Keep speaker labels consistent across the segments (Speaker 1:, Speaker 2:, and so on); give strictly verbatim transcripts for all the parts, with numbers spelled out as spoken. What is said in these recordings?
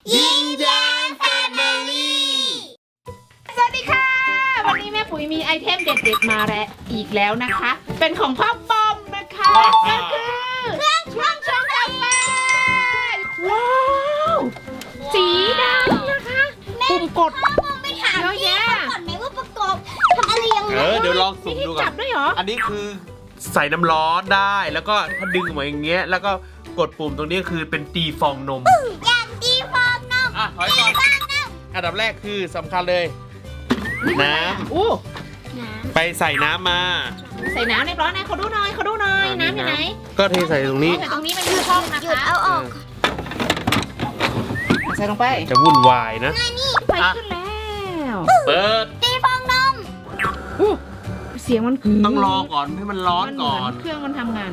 Speaker 1: ยิ้มแย้มแฟมิลี่สวัสดีค่ะวันนี้แม่ปุ๋ยมีไอเทมเด็ดๆมาแล้วอีกแล้วนะคะ เป็นของพ่อปอมนะคะก็คือเครื่องชงชงกาแฟว้าวสีดำนะคะปุ่มกด
Speaker 2: ไปถามพี่ก่อนไหมว่าประกอบทำอะไรยังไง
Speaker 3: เออเดี๋ยวลองสุ่ม
Speaker 1: มีที่
Speaker 3: ดูก่อ
Speaker 1: จั
Speaker 3: น
Speaker 1: บด้วยเหรอ
Speaker 3: อันนี้คือใส่น้ำร้อนได้แล้วก็ถ้าดึงออกมาอย่างเงี้ยแล้วก็กดปุ่มตรงนี้คือเป็นตีฟองนม
Speaker 2: อย่างดีฟองนม
Speaker 3: อ่ะถอยก่อนอันดับแรกคือสำคัญเลย น้
Speaker 1: อู้
Speaker 2: น้
Speaker 3: ำไปใส่น้ำมา
Speaker 1: ใส่น้ำเรียบร้อยนะเขาดูหน่อยเขาดูหน่อยน้ำอยู่ไหน
Speaker 3: ก็เทใส่ตรงนี้
Speaker 1: ใส่ตรงนี้มันคือช่องนะ
Speaker 2: ำหยุด
Speaker 1: คะ
Speaker 2: เอาออก
Speaker 1: ใส่ลงไป
Speaker 3: จะวุ่นวายนะ
Speaker 1: ไฟขึ้นแล้ว
Speaker 3: เปิด
Speaker 2: ตีฟองนม
Speaker 1: อู้เสียงมันคือ
Speaker 3: ต้องรอก่อนให้มันร้อนก่อน
Speaker 1: มัเหมืเครื่องมันทำงาน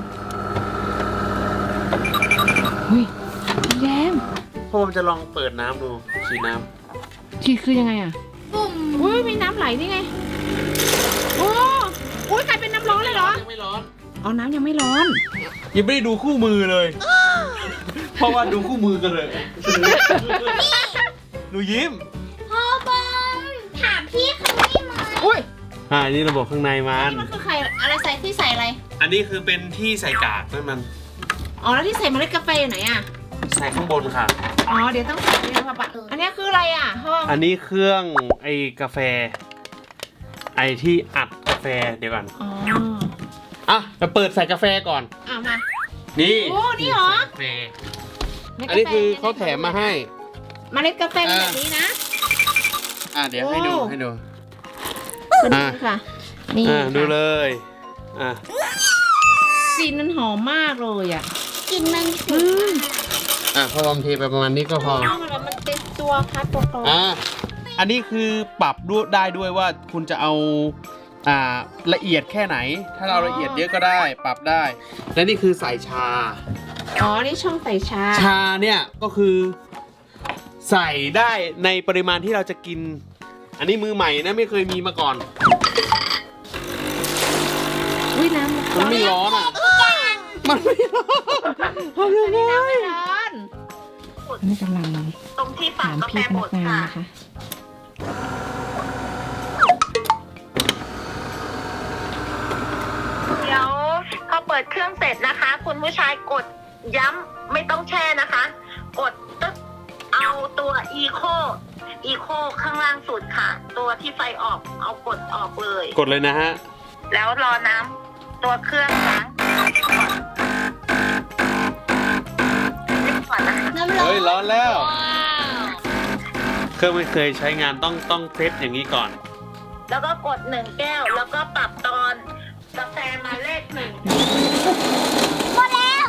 Speaker 1: เฮ้ยแย้ม
Speaker 3: พ่อผมจะลองเปิดน้ำดูฉีดน้
Speaker 1: ชีคือยังไงอ่ะ
Speaker 2: ปุ่ม
Speaker 1: อุ้ยมีน้ำไหลนี่ไงโอ้อุ้ยกลายเป็นน้ำร้อนเลยเหรอ
Speaker 3: ำยังไม่ร้อน
Speaker 1: อ๋อน้ำยังไม่ร้อน
Speaker 3: ยังไม่ได้ดูคู่มือเลย เพราะว่าดูคู่มือกันเลยหนูยิ้ม
Speaker 2: พ่อบอมถามพี่เขาได้ไหม
Speaker 1: อุ้ย
Speaker 3: อ่านี่ระบบข้างในมัน
Speaker 1: นี่มันคือไข่อะไรใส่ที่ใส่อะไร
Speaker 3: อันนี้คือเป็นที่ใส่กากนั่นมัน
Speaker 1: อ๋อแล้วที่ใส่เมล็ดกาแฟอยู่ไหนอ่ะ
Speaker 3: ใส่ข้างบนค่ะ
Speaker 1: อ๋อเดี๋ยวต้องใส่นี่นะปะอันนี้คืออะไรอ่ะห้อง
Speaker 3: อันนี้เครื่องไอ้กาแฟ ไอ้ที่อัดกาแฟเดี๋ยวก่อน
Speaker 1: อ๋อ
Speaker 3: อ่ะจะเปิดใส่กาแฟก่อน
Speaker 1: เอามา
Speaker 3: นี่
Speaker 1: โอ้นี่เหรอ
Speaker 3: ใส่กาแฟอันนี้คือเขาแถมมาให้
Speaker 1: เมล็ดกาแฟเป็นแบบนี้นะ
Speaker 3: อ่ะเดี๋ยวให้ดู
Speaker 1: โอ้
Speaker 3: ให้ดู
Speaker 1: เป็น
Speaker 3: อ่ะ
Speaker 1: นี่ค่ะนี่
Speaker 3: อ่ะดูเล
Speaker 1: ค่ะ
Speaker 3: ยอ่ะ
Speaker 1: กลิ่นมันหอมมากเลยอ่ะ
Speaker 2: กินมัน
Speaker 1: อืม
Speaker 3: อ่ะพอบอมเทไปประมาณนี้ก็พอ
Speaker 1: มันเป็นตัวคัดตัวโต
Speaker 3: อ่ะอันนี้คือปรับด้วยได้ด้วยว่าคุณจะเอาอ่าละเอียดแค่ไหน ถ้าเราละเอียดเยอะก็ได้ ปรับได้ และนี่คือใส่ชา
Speaker 1: อ๋อนี่ช่องใส่ชา
Speaker 3: ชาเนี่ยก็คือใส่ได้ในปริมาณที่เราจะกิน อันนี้มือใหม่นะไม่เคยมีมาก่อน
Speaker 1: อุ้ยน้ำ
Speaker 3: มันไม่ร้อนอ่ะ มันไม่ร้อนทำยังไง
Speaker 1: น้ำไม่ร้อนนี่กำลัง
Speaker 2: ตรงที่ฝั
Speaker 1: ถาง ม
Speaker 2: กาแฟ
Speaker 1: พี่พ
Speaker 2: บ
Speaker 1: นั
Speaker 2: ด
Speaker 1: กงาน
Speaker 2: ค่ะ
Speaker 1: นะคะ
Speaker 2: เดี๋ยวพอเปิดเครื่องเสร็จนะคะ คุณผู้ชายกดย้ำไม่ต้องแช่นะคะ กดตึ๊กเอาตัวอีโคอีโคข้างล่างสุดค่ะ ตัวที่ไฟออกเอากดออกเลย
Speaker 3: กดเลยนะฮะ
Speaker 2: แล้วรอน้ำตัวเครื่องล้างก่อนนะคะน้ำร้อ
Speaker 3: เฮ้ย
Speaker 2: น
Speaker 3: ร้อนแล้ว เครื่องไม่เคยใช้งานต้องต้องเซตอย่างนี้ก่อน
Speaker 2: แล้วก็กดหนึ่งแก้ว แล้วก็ปรับตอนกาแฟมาเลขหนึ่งหมดแล้ว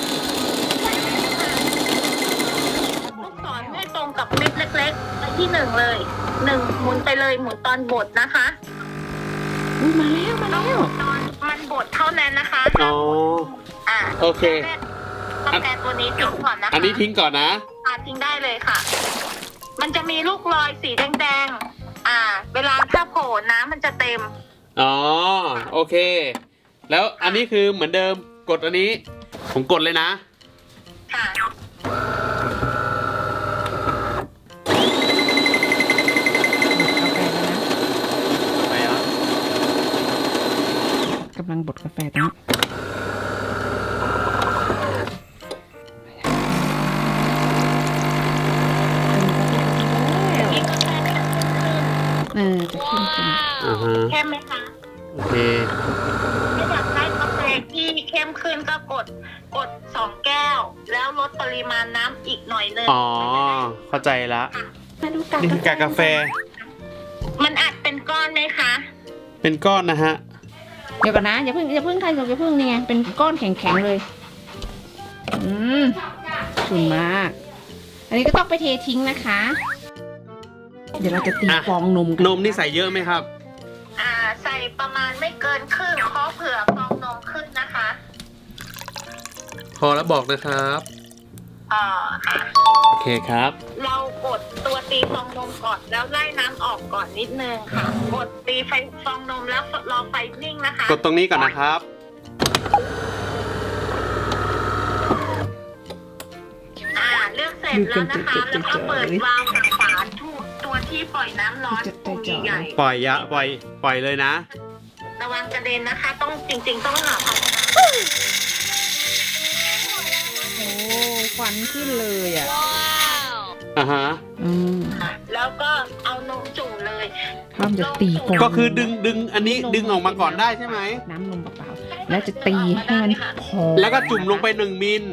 Speaker 2: ลูกศรให้ตรงกับเม็ดเล็กๆไปที่หนึ่งเลยหนึ่งหมุนไปเลยหมุนตอนบดนะคะ
Speaker 1: อุ้ยมาแล้วมาแล้ว
Speaker 2: ตอนมันบดเท่านั้นนะคะ
Speaker 3: อ๋อ
Speaker 2: อ่า
Speaker 3: โอเค
Speaker 2: กาแฟตัวนี้ทิ้งก่อนนะคะ
Speaker 3: อันนี้ทิ้งก่อนนะ
Speaker 2: อ่าทิ้งได้เลยค่ะ มันจะมีลูกรอยสีแดงๆ อ่า เวลาถ้าโผล่น้ำมันจะเต็ม
Speaker 3: อ๋อ โอเค แล้วอันนี้คือเหมือนเดิม กดอันนี้ ผมกดเลยนะ
Speaker 2: ค่ะ
Speaker 3: ไปอ่ะ
Speaker 1: กำลังบดกาแฟตรงนี้เออจะขึ้นจริง
Speaker 3: อ่าฮะ
Speaker 2: เข้มไหมคะ
Speaker 3: โอเค
Speaker 2: ถ้าอยากได้กาแฟที่เข้มขึ้นก็กด กดสองแก้ว แล้วลดปริมาณน้ำอีกหน่อยนึง
Speaker 3: อ๋อ เข้าใจละ
Speaker 1: มาดูกาก
Speaker 3: นี่คือกากกาแฟ
Speaker 2: มันอัดเป็นก้อนไหมคะ
Speaker 3: เป็นก้อนนะฮะ
Speaker 1: เดี๋ยวก่อนนะอย่าเพิ่งอย่าเพิ่งทานอย่าเพิ่งนี่ไงเป็นก้อนแข็งๆเลย อืมฉุนมาก อันนี้ก็ต้องไปเททิ้งนะคะ เดี๋ยวเราจะตี
Speaker 3: อ่ะ
Speaker 1: ฟองนมกัน
Speaker 3: นมนี่ใส่เยอะไหมครับ
Speaker 2: อ่า ใส่ประมาณไม่เกินครึ่งเพราะเผื่อฟองนมขึ้นนะคะ
Speaker 3: พอแล้วบอกนะครับ
Speaker 2: อ่าค่ะ
Speaker 3: โอเคครับ
Speaker 2: เรากดตัวตีฟองนมก่อนแล้วไล่น้ำออกก่อนนิดนึงค่ะ กดตีไฟฟองนมแล้วรอไฟนิ่งนะคะ
Speaker 3: กดตรงนี้ก่อนนะครับ
Speaker 2: อ่าเลือกเสร็จร็จแล้วนะคะแล้วก็เปิดวาล์วกับฝาทุกตัวที่ปล่อยน้ำร้อนปุ่มใหญ่
Speaker 3: ปล่อยยะปล่อยปล่อยเลยนะ
Speaker 2: ๆระวังกระเด็นนะคะ ต้องจริงๆต้องหาภาชนะ
Speaker 1: โอ้ควันขึ้นเลยอ่ะ
Speaker 3: อ่าฮะ
Speaker 1: อืม
Speaker 2: แล้วก็เอานมจุ่มเลย
Speaker 1: พร้อมจะตีฟอง
Speaker 3: ก็คือดึงดึงอันนี้ดึงออกมาก่อนได้ใช่ไหม
Speaker 1: น้ำนมเปล่าๆแล้วจะตีให้มันพอง
Speaker 3: แล้วก็จุ่มลงไปหนึ่งมิล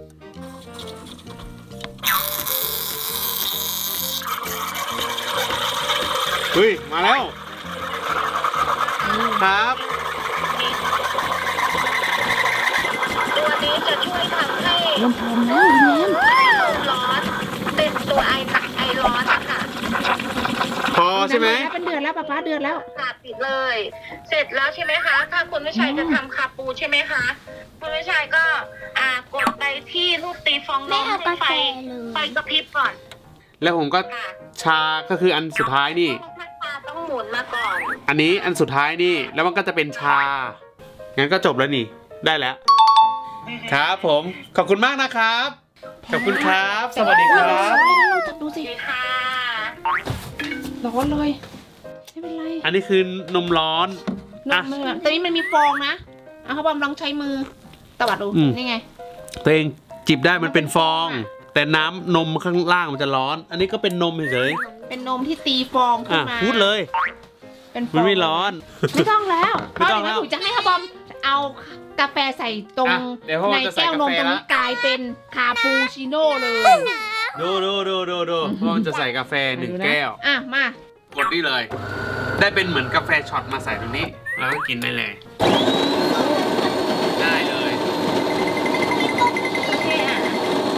Speaker 3: เฮ้ยมาแล้วครับ
Speaker 2: ตัวนี้จะช่วยทำให้
Speaker 1: เริ่มพองแล้วยิ้มแย้ม
Speaker 2: ให้นมร้อนเป็นตัวไอหนักไอร้อนนะคะ
Speaker 3: พอใช่ไหม
Speaker 1: เป็นเดือนแล้วป้าป้าเดือนแล้ว
Speaker 2: ค่ะปิดเลย เสร็จแล้วใช่ไหมคะ ถ้าคุณผู้ชายจะทำคาปูใช่ไหมคะ คุณผู้ชายก็อ่ากดไปที่รูปตีฟองนมให้ไฟไฟกระพริบก่อน
Speaker 3: แล้วผมก็
Speaker 2: ค่ะ
Speaker 3: ชาก็คืออันสุดท้ายนี่
Speaker 2: ถ้าชาต้องหมุนมาก่อน
Speaker 3: อันนี้อันสุดท้ายนี่ แล้วมันก็จะเป็นชา งั้นก็จบแล้วนี่ ได้แล้ว ครับผม ขอบคุณมากนะครับ ขอบคุณครับ สวัสดีครับ
Speaker 1: เราจับดูสิ
Speaker 2: ดีค่ะ
Speaker 1: ร้อนเลยไม่เป็นไร
Speaker 3: อันนี้คือนมร้อน
Speaker 1: น
Speaker 3: อ่ะ
Speaker 1: มมือตอนนี้มันมีฟองนะเอาเขาบอมลองใช้มือตวัดดู
Speaker 3: อืม
Speaker 1: นี่ไง
Speaker 3: ตัวเองจิบได้มันเป็นฟอง แต่น้ำนมข้างล่างมันจะร้อน อันนี้ก็เป็นนมเฉย
Speaker 1: เป็นนมที่ตีฟอง
Speaker 3: ๆ
Speaker 1: ขึ้
Speaker 3: อ่ะ
Speaker 1: นมา
Speaker 3: พูดเลย
Speaker 1: เป็นฟอง
Speaker 3: มันไม่ร้อน
Speaker 1: ไม่ต้องแล้ว
Speaker 3: ไม่ต้อง
Speaker 1: เพราะ
Speaker 3: แล้ว
Speaker 1: เดี๋ยวแม่ปุ๋ยจะให้เขาบอมเอากาแฟใส่ตรง
Speaker 3: อ่ะเดี๋ยวพ่อ
Speaker 1: ใน
Speaker 3: จะใส่
Speaker 1: แก้วนม
Speaker 3: กาแฟ
Speaker 1: ตรงนี้
Speaker 3: ละ
Speaker 1: กลายเป็นคาปูชิโน่เลย
Speaker 3: ดูดูดูดูดูเพราะมันจะใส่กาแฟหนึ่ง
Speaker 1: ดูะ
Speaker 3: แก้ว
Speaker 1: อ่ะมา
Speaker 3: กดนี่เลย ได้เป็นเหมือนกาแฟช็อตมาใส่ตรงนี้ แล้วก็กินได้เลย ได้เลย
Speaker 2: โอเคอ่ะ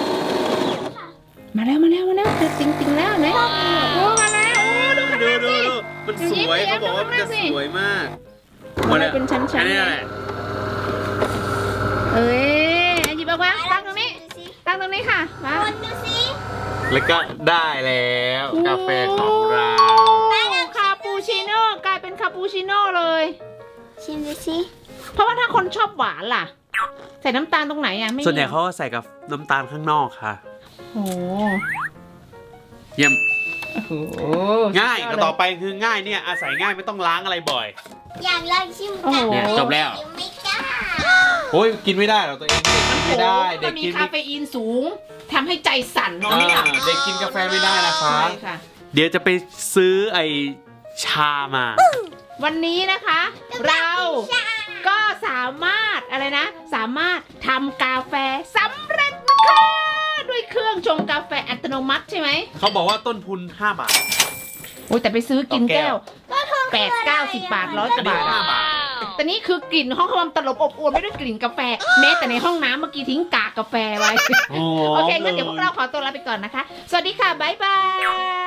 Speaker 1: มาแล้วมาแล้วมาแล้วติงติงติงแล้วเห็นไหมโอ้มาแล้วโอ้ดูข
Speaker 3: ดู
Speaker 1: นาด
Speaker 3: ดู
Speaker 1: สิ
Speaker 3: ดูมันสวย
Speaker 1: ดูยิ้ม
Speaker 3: เขาบอกว่ามันจะ
Speaker 1: ดูข้างหน้าสิ
Speaker 3: สวยมาก
Speaker 1: มันเลยเป็นชั้นๆ
Speaker 3: อันนี้แหละ
Speaker 1: เอ้ยหยิบออกมาตั้งตรงนี้ ตั้งตรงนี้ค่ะมา
Speaker 2: คนดูสิ
Speaker 3: แล้วก็ได้แล้วกาแฟของเรา
Speaker 1: โอ้คาปูชิโน่กลายเป็นคาปูชิโน่เลย
Speaker 2: ชิมดูสิ
Speaker 1: เพราะว่าถ้าคนชอบหวานล่ะ ใส่น้ำตาลตรงไหนอ่ะไม่มี
Speaker 3: ส่วนใหญ่เขาก็ใส่กับน้ำตาลข้างนอกค่ะ
Speaker 1: โอ้
Speaker 3: เยี่ยม
Speaker 1: โห
Speaker 3: ง่ายก็ต่อไปคือง่ายเนี่ยอาศัยง่ายไม่ต้องล้างอะไรบ่อย
Speaker 2: อยากลองชิม
Speaker 1: โอ้โห
Speaker 3: เนี่ยจบแล้ว
Speaker 2: ยังไม่กล้า
Speaker 3: โอ้ยกินไม่ได้หรอกตัวเองเด็กกินไม่ได้ เด็
Speaker 1: มั
Speaker 3: ก
Speaker 1: นมี
Speaker 3: กิน
Speaker 1: คา
Speaker 3: ไม่
Speaker 1: เฟอีนสูงทำให้ใจสั่นนอน
Speaker 3: อ่า
Speaker 1: ไม่หลับ
Speaker 3: เด็กกินกาแฟไม่ได้นะคะ
Speaker 1: ใช่ค่ะ
Speaker 3: เดี๋ยวจะไปซื้อไอชามา
Speaker 1: วันนี้นะคะ เราก็สามารถอะไรนะ สามารถทำกาแฟสำเร็จนะคะด้วยเครื่องชงกาแฟอัตโนมัติใช่ไหม
Speaker 3: เขาบอกว่าต้นทุนห้าบาท
Speaker 1: โอ้ยแต่ไปซื้อกิน
Speaker 3: ต่อแก้
Speaker 1: แก้ว
Speaker 3: ว
Speaker 1: แปดเก้าสิบบาทร้อยก
Speaker 3: อัน
Speaker 1: ว่า
Speaker 3: นี้
Speaker 1: บาท
Speaker 3: ห้า
Speaker 1: อะ
Speaker 3: บาท
Speaker 1: แต่นี่คือกลิ่นห้องความตลบอบอวลไม่ด้วยกลิ่นกาแฟ แม้แต่ในห้องน้ำเมื่อกี้ทิ้งกากกาแฟไว้
Speaker 3: โอ้
Speaker 1: โอเคงั้นเดี๋ยวพวกเราขอตัวลาไปก่อนนะคะ สวัสดีค่ะ บ๊ายบาย